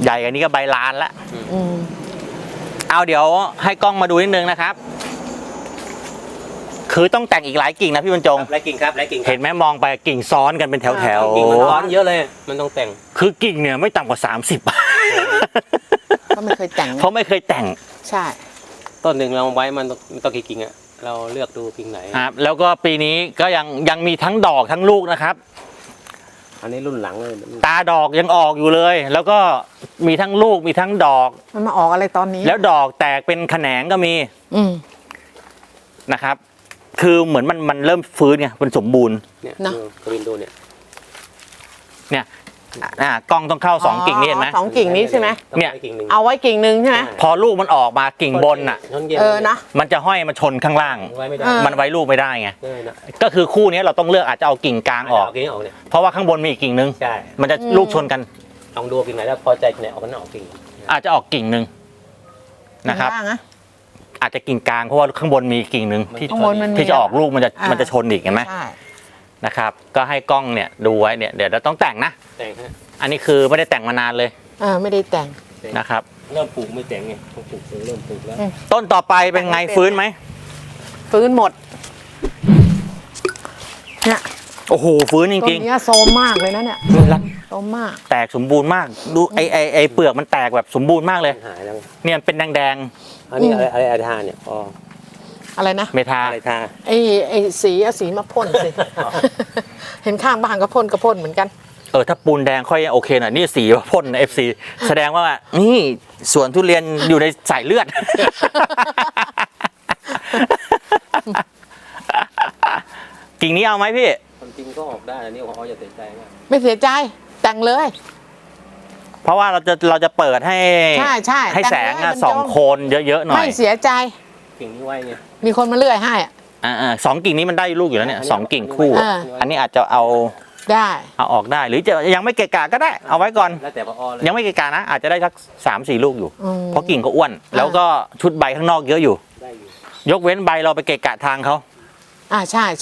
ใหญ่กว่านี้ก็ใบลานละเอาเดี๋ยวให้กล้องมาดูนิดนึงนะครับคือต้องแต่งอีกหลายกิ่งนะพี่บรรจงหลายกิ่งครับหลายกิ่งเห็นไหมมองไปกิ่งซ้อนกันเป็นแถวกิ่งมันซ้อนเยอะเลยมันต้องแต่งคือกิ่งเนี่ยไม่ต่ำกว่า30 ก็ไม่เคยแต่งเขาไม่เคยแต่งใช่ต้นหนึ่งเราไว้มันต้องกี่กิ่งอะเราเลือกดูกิ่งไหนครับแล้วก็ปีนี้ก็ยังมีทั้งดอกทั้งลูกนะครับอันนี้รุ่นหลังเลยตาดอกยังออกอยู่เลยแล้วก็มีทั้งลูกมีทั้งดอกมันมาออกอะไรตอนนี้แล้วดอกแตกเป็นแขนงก็มีนะครับคือเหมือนมันเริ่มฟื้นไงมันสมบูรณ์เนี่ยกวินดูเนี่ยกล้องต้องเข้า2กิ่งนี่เห็นไหม 2กิ่งนี้ใช่ไหมเนี่ยเอาไว้กิ่งนึงใช่ไหมพอลูกมันออกมากิ่งบนน่ะนะมันจะห้อยมาชนข้างล่างมันไว้ลูกไม่ได้ไงก็คือคู่นี้เราต้องเลือกอาจจะเอากิ่งกลางออกเพราะว่าข้างบนมีอีกกิ่งนึงมันจะลูกชนกันลองดูกิ่งไหนแล้วพอใจไหนออกกันออกกิ่งอาจจะออกกิ่งนึงนะครับอาจจะกิ่งกลางเพราะว่าข้างบนมีกิ่งนึงที่จะออกลูกมันจะชนอีกเห็นไหมนะครับก็ให้กล้องเนี่ยดูไว้เนี่ยเดี๋ยวเราต้องแต่งนะแต่งฮะอันนี้คือไม่ได้แต่งมานานเลยไม่ได้แต่งนะครับเริ่มปลูกไม่แต่งไงต้องปลูกเริ่มปลูกแล้วต้นต่อไปเป็นไงฟื้นไหมฟื้นหมดเนี่ยโอ้โหฟื้นจริงๆต้นนี้โซมมากเลยนะเนี่ยโซมมากแตกสมบูรณ์มากดูไอเปลือกมันแตกแบบสมบูรณ์มากเลยเนี่ยเป็นแดงอันนี้อะไรทาเนี่ยอะไรนะเมทาอะไรทาไอสีมาพ่นสิเห็นข้างบ้านก็พ่นเหมือนกันถ้าปูนแดงค่อยโอเคหน่อยนี่สีพ่น FC แสดงว่านี่สวนทุเรียนอยู่ในสายเลือดกิ่งนี้เอาไหมพี่ความจริงก็ออกได้อันนี้เขาจะเสียใจไหมไม่เสียใจแต่งเลยเพราะว่าเราจะเปิดให้ให้แสงส่องโคนเยอะๆหน่อยไม่เสียใจกิ่งนี้ไว้ไงมีคนมาเลื่อยให้ 2กิ่งนี้มันได้ลูกอยู่แล้วเนี่ย2กิ่งคู่อันนี้อาจจะเอาออกได้หรือจะยังไม่เกะกะก็ได้เอาไว้ก่อนแล้วแต่พอเลยยังไม่เกะกะนะอาจจะได้สัก3-4 ลูกอยู่เพราะกิ่งก็อ้วนแล้วก็ชุดใบข้างนอกเยอะอยู่ยกเว้นใบเราไปเกะกะทางเขาใช่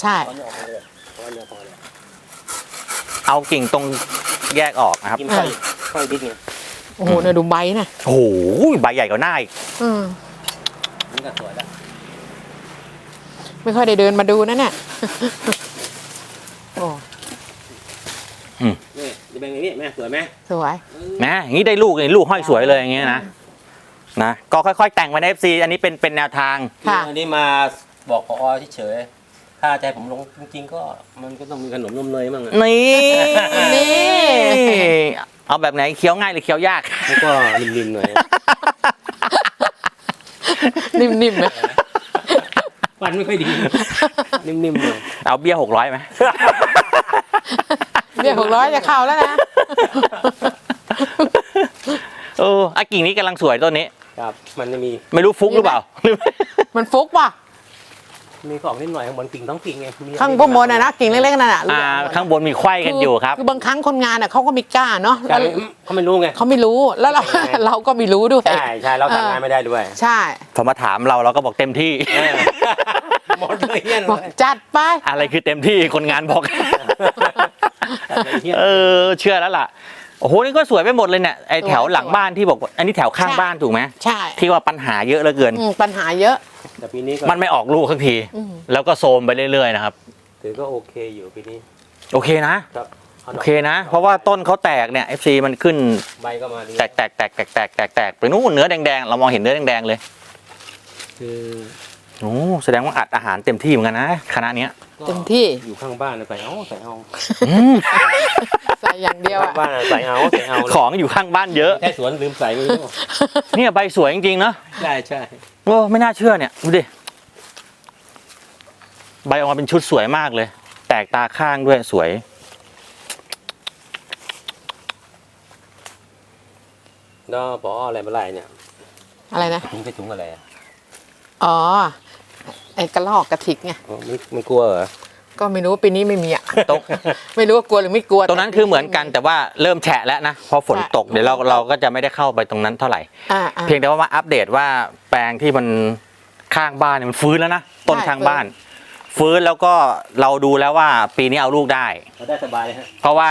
เอากิ่งตรงแยกออกนะครับค่อยดิ๊กเนี่ยโอ้โหเนี่ยดูใบนะโอ้โหใบใหญ่กว่าหน้าอีกนี่ก็สวยแล้วไม่ค่อยได้เดินมาดูนะเนี่ยโอ้นี่จะเป็นอย่างนี้แม่สวยไหมสวยนะอย่างนี้ได้ลูกเลยลูกห้อยสวยเลยอย่างเงี้ยนะก็ค่อยๆแต่งไปใน FC อันนี้เป็นแนวทางอันนี้มาบอกพอเฉยๆถ้าใจผมลงจริงๆก็มันก็ต้องมีขนมนมเนยมั่งนี่เอาแบบไหนเคี้ยวง่ายหรือเคี้ยวยากก็นิ่มๆหน่อยนิ่มๆไหมฟันไม่ค่อยดีนิ่มๆเลยเอาเบี้ย600ไหมเบี้ย600จะเข้าแล้วนะกิ่งนี้กำลังสวยต้นนี้ครับมันจะมีไม่รู้ฟุกหรือเปล่ามันฟุกป่ะมีของนิดหน่อยข้างบนกิ่งต้องกิ่งไงข้างบนนะกิ่งเล็กๆนั่นข้างบนมีไขว้กันอยู่ครับคือบางครั้งคนงานเขาก็มีกล้าเนาะเขาไม่รู้ไงเขาไม่รู้แล้วเราก็ไม่รู้ด้วยใช่เราทำงานไม่ได้ด้วยใช่พอมาถามเราก็บอกเต็มที่หมดเลยเนี่ยจัดไปอะไรคือเต็มที่คนงานบอกเชื่อแล้วล่ะโอ้โหนี่ก็สวยไปหมดเลยเนี่ยไอแถวหลังบ้านที่บอกอันนี้แถวข้างบ้านถูกไหมใช่ที่ว่าปัญหาเยอะเหลือเกินปัญหาเยอะแต่ปีนี้มันไม่ออกลูกสักทีแล้วก็โซมไปเรื่อยๆนะครับถือก็โอเคอยู่ปีนี้โอเคนะโอเคนะเพราะว่าต้นเขาแตกเนี่ย FC มันขึ้นใบก็มาแตกไปนู่นเนื้อแดงๆเรามองเห็นเนื้อแดงๆเลยคือโอ้แสดงว่าอัดอาหารเต็มที่เหมือนกันนะคณะนี้เต็มที่อยู่ข้างบ้านใส่เอาใส่อย่างเดียวบ้านใส่เอาของอยู่ข้างบ้านเยอะแค่สวนลืมใส่ไม่รู้เนี่ยใบสวยจริงๆเนาะใช่โอ้ไม่น่าเชื่อเนี่ยดูดิใบออกมาเป็นชุดสวยมากเลยแตกตาข้างด้วยสวยแล้วพออะไรมาไล่เนี่ยอะไรนะถุงถุงอะไรไอ้กระรอกกระถิกไงไม่กลัวเหรอก็ไม่รู้ปีนี้ไม่มีไม่รู้ว่ากลัวหรือไม่กลัวตรงนั้นคือเหมือนกันแต่ว่าเริ่มแฉะแล้วนะพอฝนตกเดี๋ยวเราก็จะไม่ได้เข้าไปตรงนั้นเท่าไหร่เพียงแต่ว่ามาอัปเดตว่าแปลงที่มันข้างบ้านมันฟื้นแล้วนะต้นข้างบ้านฟื้นแล้วก็เราดูแล้วว่าปีนี้เอาลูกได้สบายเลยฮะเพราะว่า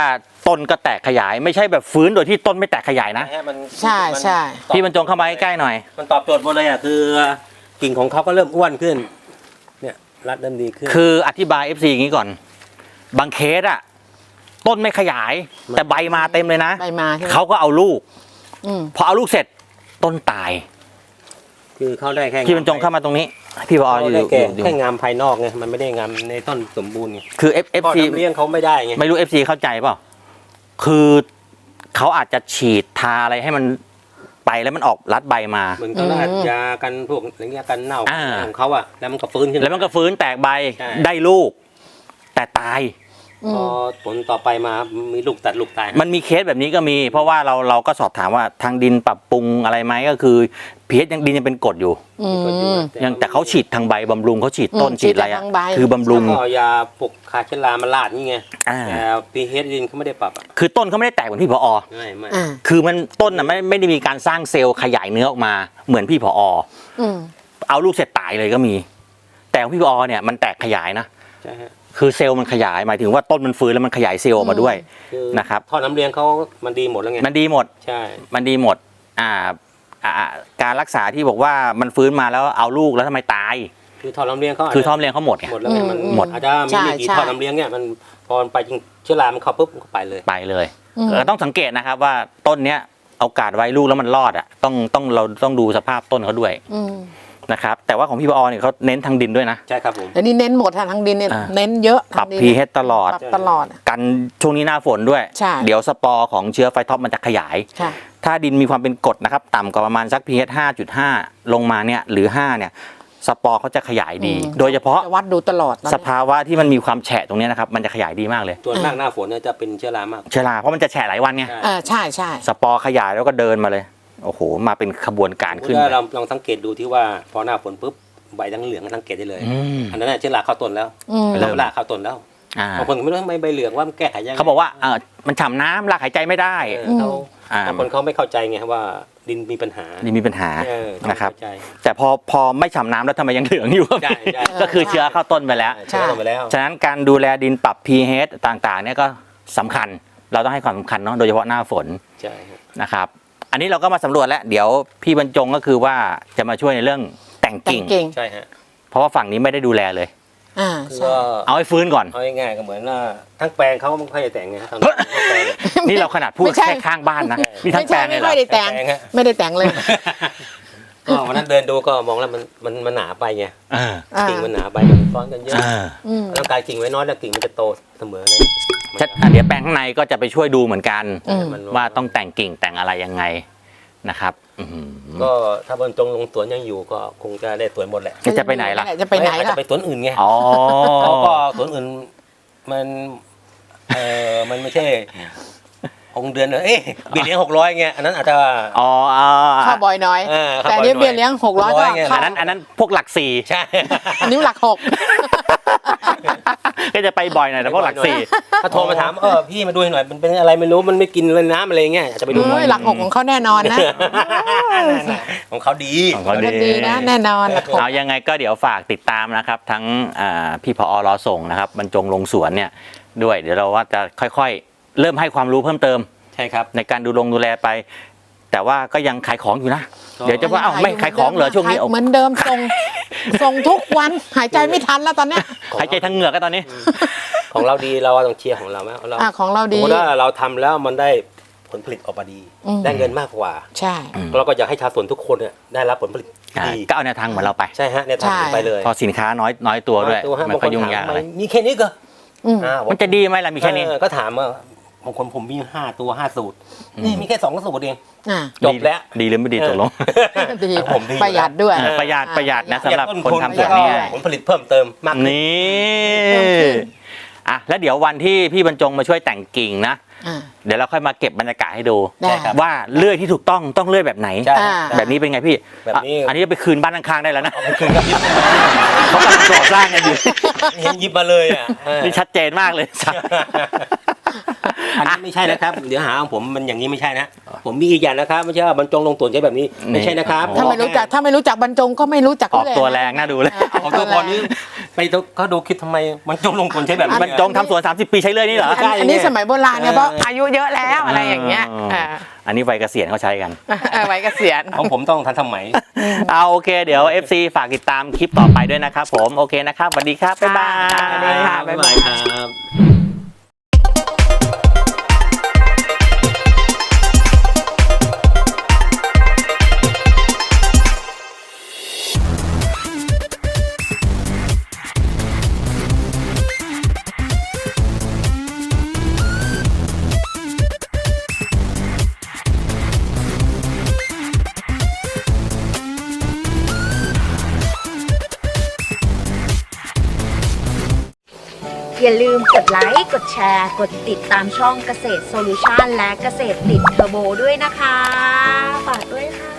ต้นก็แตกขยายไม่ใช่แบบฟื้นโดยที่ต้นไม่แตกขยายนะฮะมันใช่ใช่พี่บรรจงเข้ามาใกล้ๆหน่อยมันตอบโจทย์หมดเลยอ่ะคือกิ่งของเขาก็เริ่มอ้วนขึ้น เนี่ยรัดเริ่มดีขึ้นคืออธิบาย FC อย่างนี้ก่อน บางเคสอะต้นไม่ขยาย แต่ใบมาเต็มเลยนะใบมาใช่ไหมเขาก็เอาลูกอืมพอเอาลูกเสร็จต้นตายคือเขาได้แค่พี่บรรจงเข้ามาตรงนี้ พี่พอเขาอยู่ได้อยู่แค่อยู่แค่งามภายนอกไงมันไม่ได้งามในต้นสมบูรณ์ไงคือพ่อ FC ทำเลี้ยงเขาไม่ได้ไงไม่รู้ FC เข้าใจเปล่าคือเขาอาจจะฉีดทาอะไรให้มันไปแล้วมันออกรัดใบมาเหมือนเขาอัดยากันพวกอะไรเงี้ยกันเน่าอ่าของเขาอะแล้วมันก็ฟื้นขึ้นแล้วมันก็ฟื้นแตกใบใช่ได้ลูก แต่ตายอืพอมผลต่อไปมามีลูกตัดลูกตายมันมีเคสแบบนี้ก็มี เพราะว่าเราก็สอบถามว่าทางดินปรับปรุงอะไรไหมก็คือพีเอสยังดินยังเป็นกรดอยู่อืมยังแต่เขาฉีดทางใบบำรุงเขาฉีดต้นอืมฉีดอะไรฉีดอะทางใบคือบำรุงแล้วก็เอายาปลุกคาเชลามาลาดนี่ไงอ่าแต่พีเฮดดินเขาไม่ได้ปรับอะคือต้นเขาไม่ได้แตกเหมือนพี่ผอไม่อ่าคือมันต้นน่ะไม่ได้มีการสร้างเซลล์ขยายเนื้อออกมาเหมือนพี่ผออืมเอาลูกเสร็จตายเลยก็มี แต่ของพี่ผอเนี่ยมันแตกขยายนะใช่ฮะคือเซลล์มันขยายหมายถึงว่าต้นมันฟื้นแล้วมันขยายเซลล์ออกมาด้วยคือนะครับท่อน้ำเลี้ยงเขามันดีหมดแล้วไงมันดีหมดใช่มันดีหมดการรักษาที่บอกว่ามันฟื้นมาแล้วเอาลูกแล้วทำไมตายคือท่อน้ำเลี้ยงเขาคือท่อมเลี้ยงเขาหมดไงหมดแล้วไงมันหมดอาจจะมีไม่กี่ท่อน้ำเลี้ยงเนี่ยมันพอมันไปจริงเชื้อรามันเข้าปุ๊บมันก็ไปเลยไปเลยอืมต้องสังเกตนะครับว่าต้นเนี้ยเอากาดไว้ลูกแล้วมันรอดอ่ะเราต้องดูสภาพต้นเขาด้วยอืมนะครับแต่ว่าของพี่ปอเนี่ยเขาเน้นทางดินด้วยนะใช่ครับผมแต่นี่เน้นหมดทางดินเนี่ยอ่าเน้นเยอะปรับทางดิน pH ตลอดปรับตลอดกันช่วงนี้หน้าฝนด้วยใช่เดี๋ยวสปอร์ของเชื้อไฟท็อปมันจะขยายค่ะถ้าดินมีความเป็นกรดนะครับต่ำกว่าประมาณสัก pH 5.5 ลงมาเนี่ยหรือ 5 เนี่ยสปอร์เขาจะขยายดีอืมโดยเฉพาะจะวัดดูตลอดตอนสนี้ภาวะที่มันมีความแฉะตรงเนี้ยนะครับมันจะขยายดีมากเลยตัวนมากหน้าฝนเนี่ยจะเป็นเชื้อรามากเชื้อราเพราะมันจะแฉะหลายวันไงใช่ใช่ใช่สปอร์ขยายแล้วก็เดินมาเลยโอ้โหมาเป็นขบวนการขึ้นถ้าเราลองสังเกตดูที่ว่าพอหน้าฝนปุ๊บใบทั้งเหลืองสังเกตได้เลยอืมอันนั้นน่ะเชื้อราเข้าต้นแล้วอืมเริ่มเชื้อราเข้าต้นแล้วอ่าบางคนก็ไม่รู้ทำไมใบเหลืองว่ามันแก้ไขยังไงเขาบอกว่ามันฉ่ำน้ำรากหายใจไม่ได้เขาอ่าบางคนเขาไม่เข้าใจไงว่าดินมีปัญหานี่มีปัญหาต้องนะครับเข้าใจแต่พอไม่ฉ่ำน้ำแล้วทำไมยังเหลืองอยู่ใช่ใช่ก็คือเชื้อเข้าต้นไปแล้วเชื้อเข้าไปแล้วฉะนั้นการดูแลดินปรับ pH ต่างๆเนี่ยก็สำคัญเราต้องให้ความสำคัญเนาะโดยเฉพาะหน้าฝนใช่ครับนะครับอันนี้เราก็มาสำรวจแล้วเดี๋ยวพี่บรรจงก็คือว่าจะมาช่วยในเรื่องแต่งแต่กิ่งงเก่งใช่ฮะเพราะว่าฝั่งนี้ไม่ได้ดูแลเลยอ่าคือใช่ก็เอาให้ฟื้นก่อนเอาง่ายๆก็เหมือนว่าทั้งแปลงเขาไม่ค่อยจะแต่งไงทั้งแปลงนี่เราขนาดพูดไม่ใช่แค่ข้างบ้านนะมีทั้ไม่งแปลใช่งเลยไม่เหรค่ออยได้แต่งแต่งฮะไม่ได้แต่งเลยก็วันนั้นเดินดูก็มองแล้วมันหนาไปไงเออกิ่งมันหนาไปมันซ้อนกันเยอะเอออืมต้องการกิ่งไว้น้อยแล้วกิ่งมันจะโตเสมอเลยเดี๋ยวแปลงข้างในก็จะไปช่วยดูเหมือนกันอืมมันว่าต้องแต่งกิ่งแต่งอะไรยังไงนะครับอื้อหือก็ถ้าบรรจงลงสวนยังอยู่ก็คงจะได้สวนหมดแหละจะไปไหนล่ะจะไปไหนอาจล่ะจะไปสวนอื่นไงอ๋อเขาก็สวนอื่นมันมันไม่ใช่องค์เดือนเอ๊ะเบี้ยเลี้ยง600ไงอันนั้นอาจจะอ๋อข้าวบอยน้อยข้าวแต่อันบนี้หเบี้ยเลี้ยง600ก็ไงข้าวอันนั้นพวกหลักสี่ใช่อันนี้หลัก 6 ก็จะไปบ่อยหน่อยแต่พวกหลักสี่ถ้าโทรมาถามพี่มาดูให้หน่อยมันเป็นอะไรไม่รู้มันไม่กินเลยน้ำอะไรเงี้ยอาจจะไปดูหน่อยหลัก 6ของเขาแน่นอนนะของเขาดีของเขาดีนะแน่นอนหลักเอายังไงก็เดี๋ยวฝากติดตามนะครับ ทั้งพี่ผอรอส่งนะครับบรรจงลงสวนเนี่ยด้วยเดี๋ยวเราว่าจะค่อยๆ เริ่มให้ความรู้เพิ่มเติมใช่ครับในการดูแลไป แต่ว่าก็ยังขายของอยู่นะก็เดี๋ยวจะว่าเอ้าไม่ขายของเหรอช่วงนี้เหมือนเดิมส่งทุกวันหายใจไม่ทันแล้วตอนเนี้ยหายใจทั้งเหงือกก็ตอนนี้ของเราดีเราต้องเชียร์ของเราไหมเราของเราสดีมมติว่าเราทำแล้วมันได้ผลผลิตออกมาดีอืมได้เงินมากกว่าใช่เราก็อยากให้ชาวสวนทุกคนเนี่ยได้รับผลผลิตดีก็เอาแนวทางเหมือนเราไปใช่ฮะเนี่ยทำไปเลยพอสินค้าน้อยตัวด้วยตัวฮะมันบางคก็นยุ่งถามยากอะไรมีแค่นี้ก็อืมมันจะดีไหมล่ะมีแค่นี้ก็ถามว่าบางคนผมมี5 ตัว 5 สูตรนี่มีแค่2 สูตรเองอ่าจบแล้วดีหรือไม่ดีตกลงดีผมดีประหยัดด้วยประหยัดนะสำหรับต้นคนทุนทำสวนแล้วนี่ก็ผลผลิตเพิ่มเติมมากขึ้นนี่เพิ่มขึ้นอ่ะแล้วเดี๋ยววันที่พี่บรรจงมาช่วยแต่งกิ่งนะอ่าเดี๋ยวเราค่อยมาเก็บบรรยากาศให้ดูได้ครับว่าเลื่อยที่ถูกต้องเลื่อยแบบไหนใช่อ่าแบบนี้เป็นไงพี่แบบนี้อันนี้จะไปคืนบ้านข้างๆได้แล้วนะไปคืนกับยิบเขากำลังก่อสร้างกันอยู่เห็นยิบมาเลยอ่ะนี่ชัดเจนมากเลยอันนี้ไม่ใช่นะครับ เดี๋ยวหาของผมมันอย่างนี้ไม่ใช่นะ ผมมีอีกอย่างนะครับไม่ใช่ว่าบรรจงลงตัวใช้แบบนี้ไม่ใช่นะครับถ้าไม่รู้จักบรรจงก็ไม่รู้จักออกตัวแรงน่าดูเลยของตัวพอนี้ไปดูเขาดูคิดทำไมมันจงลงทุนใช้แบบนี้มันจงทำสวน 30 ปีใช้เลยนี่เหรออันนี้สมัยโบราณเนี่ยเพราะอายุเยอะแล้วอะไรอย่างเงี้ยอันนี้วัยเกษียณเขาใช้กันไว้เกษียณของผมต้องทันสมัยเอาโอเคเดี๋ยว FC ฝากติดตามคลิปต่อไปด้วยนะครับผมโอเคนะครับสวัสดีครับบ๊ายบายสวัสดีค่ะบ๊ายบายครับอย่าลืมกดไลค์ กดแชร์ กดติดตามช่องเกษตรโซลูชันและเกษตรติดเทอร์โบด้วยนะคะ ฝากด้วยค่ะ